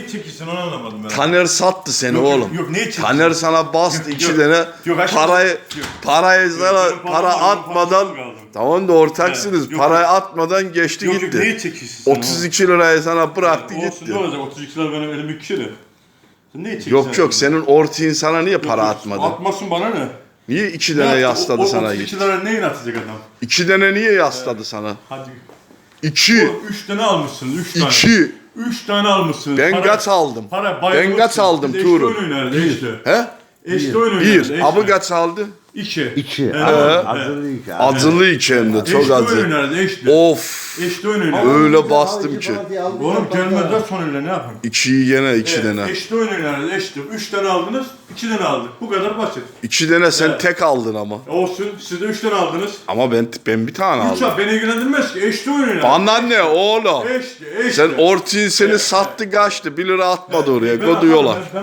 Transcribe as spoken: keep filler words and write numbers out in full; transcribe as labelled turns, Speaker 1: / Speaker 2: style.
Speaker 1: neyi çekiyorsun onu anlamadım ben.
Speaker 2: Taner sattı seni
Speaker 1: Yok, yok,
Speaker 2: oğlum.
Speaker 1: yok, neyi çekiyorsun?
Speaker 2: Taner sana bastı iki
Speaker 1: yok,
Speaker 2: tane
Speaker 1: yok, aşkım,
Speaker 2: parayı
Speaker 1: yok.
Speaker 2: parayı sana
Speaker 1: benim param
Speaker 2: para
Speaker 1: var, benim
Speaker 2: atmadan
Speaker 1: parasını aldım.
Speaker 2: tamam da ortaksınız.
Speaker 1: He, yok,
Speaker 2: parayı
Speaker 1: yok.
Speaker 2: atmadan geçti
Speaker 1: Yok yok
Speaker 2: gitti.
Speaker 1: neyi çekiyorsun sen?
Speaker 2: otuz iki lirayı sana bıraktı
Speaker 1: Olsun
Speaker 2: gitti.
Speaker 1: ne olacak otuz iki lira benim elim kişi. Sen neyi çekiyorsun?
Speaker 2: Yok yok senin ortağın sana niye para
Speaker 1: Yok,
Speaker 2: atmadı?
Speaker 1: Atmasın bana ne?
Speaker 2: Niye iki
Speaker 1: Ne
Speaker 2: tane
Speaker 1: yaptı?
Speaker 2: yasladı
Speaker 1: O- o
Speaker 2: sana
Speaker 1: otuz
Speaker 2: gitti?
Speaker 1: iki lira neyin atacak adam?
Speaker 2: İki tane niye yasladı sana?
Speaker 1: Hadi.
Speaker 2: İki.
Speaker 1: Oğlum üç tane almışsınız, üç tane.
Speaker 2: İki.
Speaker 1: Üç tane almışsınız.
Speaker 2: Ben
Speaker 1: Para-
Speaker 2: kaç aldım?
Speaker 1: Para bayılmışsınız.
Speaker 2: Ben kaç aldım
Speaker 1: Biz
Speaker 2: Tuğrul?
Speaker 1: Eşte oyun oynarız, eşte.
Speaker 2: He?
Speaker 1: Eşte oyun oynarız,
Speaker 2: Bir.
Speaker 1: eşte.
Speaker 2: Abi kaç aldı?
Speaker 1: İki.
Speaker 3: İki.
Speaker 1: Evet,
Speaker 3: Evet.
Speaker 1: evet.
Speaker 3: Hazırlı iki.
Speaker 2: Acılı iki hem de çok
Speaker 1: Eşte oyun
Speaker 2: acı.
Speaker 1: oynarız, eşte.
Speaker 2: Of.
Speaker 1: Eşte oyun oynarız.
Speaker 2: Öyle bastım ki.
Speaker 1: Oğlum gelmez de sonuyla ne yapayım?
Speaker 2: İkiyi gene iki
Speaker 1: Evet,
Speaker 2: tane.
Speaker 1: eşte oyun oynarız, eşte. Üç tane aldınız, iki tane aldık. Bu kadar basit.
Speaker 2: İki tane sen
Speaker 1: Evet.
Speaker 2: tek aldın ama.
Speaker 1: Olsun, siz de üç tane aldınız.
Speaker 2: Ama ben ben bir tane
Speaker 1: Üç
Speaker 2: aldım.
Speaker 1: al, beni ilgilendirmez ki. Eşte oyun oynarız.
Speaker 2: Bana ne oğlum?
Speaker 1: Eşte, eşte.
Speaker 2: Sen ortağın seni
Speaker 1: Evet.
Speaker 2: sattı kaçtı. Bir lira atmadı oraya.
Speaker 1: Ben
Speaker 2: Kodu yola.
Speaker 1: atarım, ben-